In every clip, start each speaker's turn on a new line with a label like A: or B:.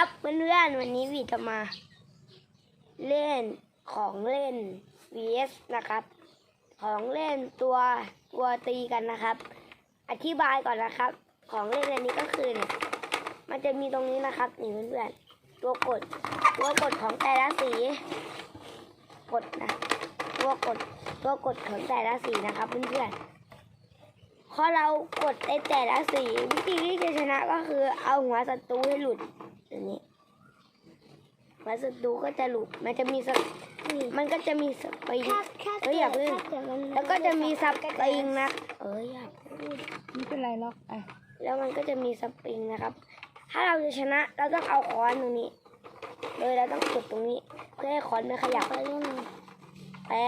A: ครับเพื่อนๆวันนี้วีจะมาเล่นของเล่น vs นะครับของเล่นตัวตีกันนะครับอธิบายก่อนนะครับของเล่นอันนี้ก็คือเนี่ยมันจะมีตรงนี้นะครับนี่เพื่อนๆตัวกดของแต่ละสีกดนะตัวกดของแต่ละสีนะครับเพื่อนๆพอเรากดในแต่ละสีวิธีที่จะชนะก็คือเอาหัวศัตรูให้หลุดอย่างนี้หัวศัตรูก็จะหลุดมันก็จะมีสปริงอย่าพึ่งแล้วก็จะมีสปริงนะอย่าพูด
B: ไม่เป็นไรหรอก
A: แล้วมันก็จะมีสปริงนะครับถ้าเราจะชนะเราต้องเอาค้อนตรงนี้เลยเราต้องกดตรงนี้เพื่อให้ค้อนไม่ขยับแต่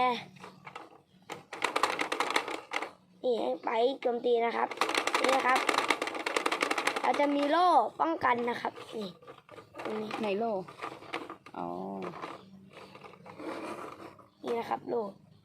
A: นี่ไปโจมตีนะครับนี่นะครับเราจะมีโล่ป้องกันนะครับนี่ตรงนี้
B: ไหนโล่อ๋อ
A: นี่นะครับโล่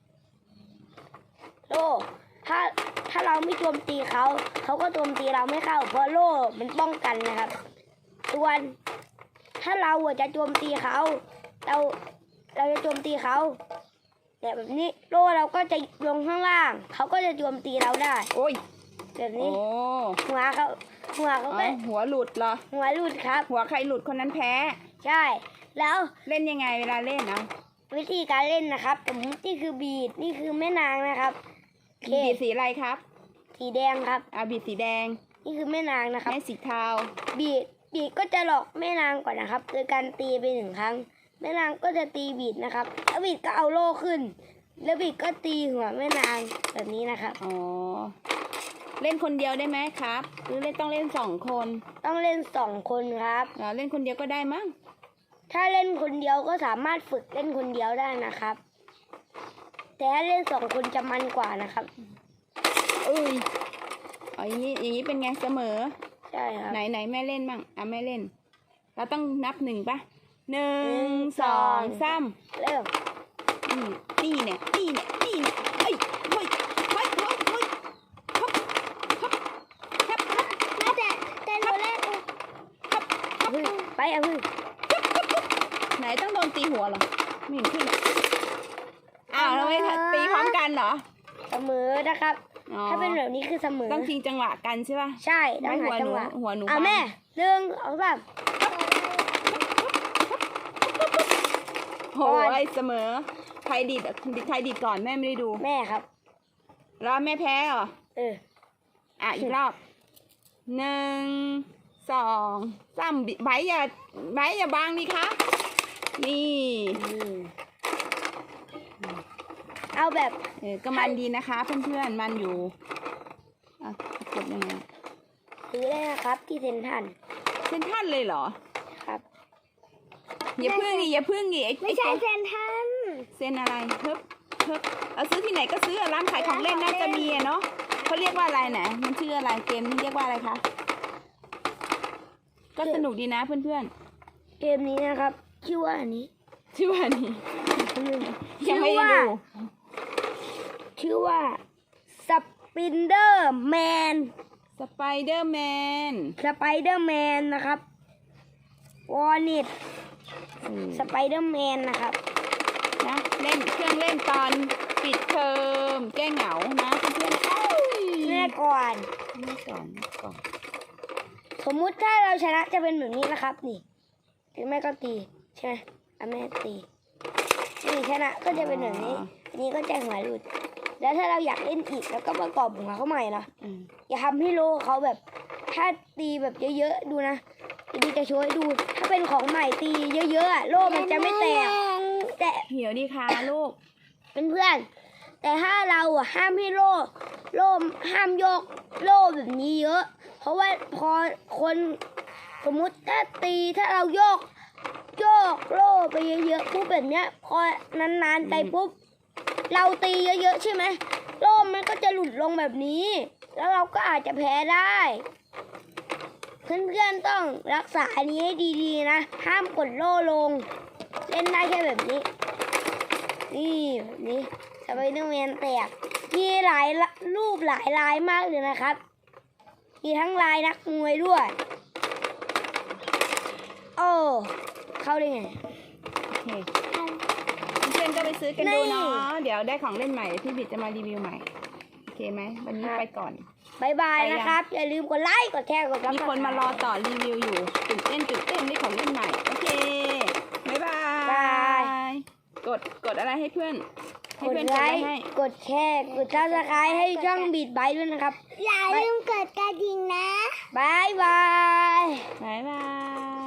A: ถ้าเราไม่โจมตีเขาก็โจมตีเราไม่เข้าเพราะโล่มันป้องกันนะครับส่วนถ้าเราจะโจมตีเขาเราจะโจมตีเขาแต่แบบนี้โล่เราก็จะลงข้างล่างเขาก็จะโจมตีเราได้
B: โอ้ย
A: แบบนี้หัวเขาก็
B: หัวหลุดเหรอ
A: หัวหลุดครับ
B: หัวใครหลุดคนนั้นแพ้
A: ใช่แล้ว
B: เล่นยังไงเวลาเล่น
A: วิธีการเล่นนะครับสมมตินี่คือบีดนี่คือแม่นางนะครับ
B: บีดสีอะไรครับ
A: สีแดงครับ
B: บีดสีแดง
A: นี่คือแม่นางนะครับ
B: แม่สีเทา
A: บีดก็จะหลอกแม่นางก่อนนะครับโดยการตีไป1 ครั้งแม่นางก็จะตีบีดนะครับแล้วบีดก็เอาโล่ขึ้นแล้วบีดก็ตีหัวแม่นางแบบนี้นะครับ
B: เล่นคนเดียวได้ไหมครับหรือต้องเล่น2 คน
A: ต้องเล่น2 คนครับ
B: เล่นคนเดียวก็ได้มั้ง
A: ถ้าเล่นคนเดียวก็สามารถฝึกเล่นคนเดียวได้นะครับแต่ถ้าเล่น2 คนจะมันกว่านะครับ
B: อย่างนี้เป็นไงเสมอ
A: ใช่ครับ
B: ไหนแม่เล่นบ้างแม่เล่นเราต้องนับ1ป่ะ1 2 3
A: เริ่ม
B: นี่เนี่ยเฮ้ย
A: แต่หนูเล่นไป
B: ไหนต้องโดนตีหัวเหรอไม่เห็นขึ้นเราไม่ตีพร้อมกันเหรอ
A: เสมอนะครับถ้าเป็นแบบนี้คือเสมอ
B: ต้องทิ้งจังหวะกันใช่ป่ะ
A: ใช่ต้องหาจังหวะ
B: หัวหนู
A: แม่1 2 3
B: โหเสมอใครดีดก่อนแม่ไม่ได้ดู
A: แม่ครับ
B: แล้วแม่แพ้เหรออีกรอบ1 2 3ไบอย่าบังนี่คะนี่
A: เอาแบบ
B: ก็มันดีนะคะเพื่อนๆมันอยู่กดยังไง
A: ซื้อได้นะครับที่เซ็นทรัล
B: เลยเหรอ
A: ครับ
B: อย่าพึ่ง
A: ไม่ใช่เซ็นทรัล
B: เซ็นอะไรเพิ่มเราซื้อที่ไหนก็ซื้อร้านขายของเล่นน่าจะมีเนาะเขาเรียกว่าอะไรนะมันชื่ออะไรเกมนี้เรียกว่าอะไรคะก็สนุกดีนะเพื่อน
A: ๆเกมนี้นะครับชื่อว่านี้
B: ยังไม่ได้ดู
A: ชื่อว่าสไปเดอร์แมนนะครับวอร์นิตสไปเดอร์แมนนะครับ
B: นะเล่นเครื่องเล่นตอนปิดเทอมแก้เหงานะเพื่อน
A: แม่ก่อนสมมุติถ้าเราชนะจะเป็นแบบนี้นะครับนี่ถึงแม่ก็ตีใช่ไหมแม่ตีนี่ชนะก็จะเป็นแบบนี้อันนี้ก็จะหัวหลุดแล้วถ้าเราอยากเล่นอีกแล้วก็ประกอบหัวเขาใหม่นะอย่าทำให้โลเขาแบบถ้าตีแบบเยอะๆดูนะดีจะช่วยดูถ้าเป็นของใหม่ตีเยอะๆโลมันจะไม่แตกแต่
B: เหี่ยวดีค่ะลูก
A: เป็นเพื่อนแต่ถ้าเราห้ามให้โลห้ามโยกโลแบบนี้เยอะเพราะว่าพอคนสมมุติถ้าเราโยกโลไปเยอะๆปุ๊บแบบเนี้ยพอนานๆไปปุ๊บเราตีเยอะๆใช่ไหมโลมันก็จะหลุดลงแบบนี้แล้วเราก็อาจจะแพ้ได้เพื่อนๆต้องรักษาอันนี้ให้ดีๆนะห้ามกดโล่ลงเล่นได้แค่แบบนี้แบบนี้สไปเดอร์แมนแตกมีหลายรูปหลายลายมากเลยนะครับมีทั้งลายนักมวยด้วยเข้าได้ไง
B: โอเคเพื่อนๆก็ไปซื้อกันดูเนาะเดี๋ยวได้ของเล่นใหม่พี่บิดจะมารีวิวใหม่โอเคไหมวันนี้ไปก่อน
A: บายบาย
B: ไปยัง
A: นะครับ อย่าลืมกดไลค์กดแชร์กดซับ
B: มี
A: สไค
B: คนมารอต่อรีวิวอยู่ตื่นเต้นได้ของเล่นใหม่โอเคบ๊ายบายกดอะไรให้เพื่อนให้
A: กด
B: เพื่อน
A: ไล
B: กดอะไร
A: ค์
B: ให้
A: กดแชร์กดซับสไครต์ให้ช่องบีดไบด้วยนะครับ
C: อย่าลืมกดกระดิ่งนะ
A: บายบาย
B: บ๊ายบาย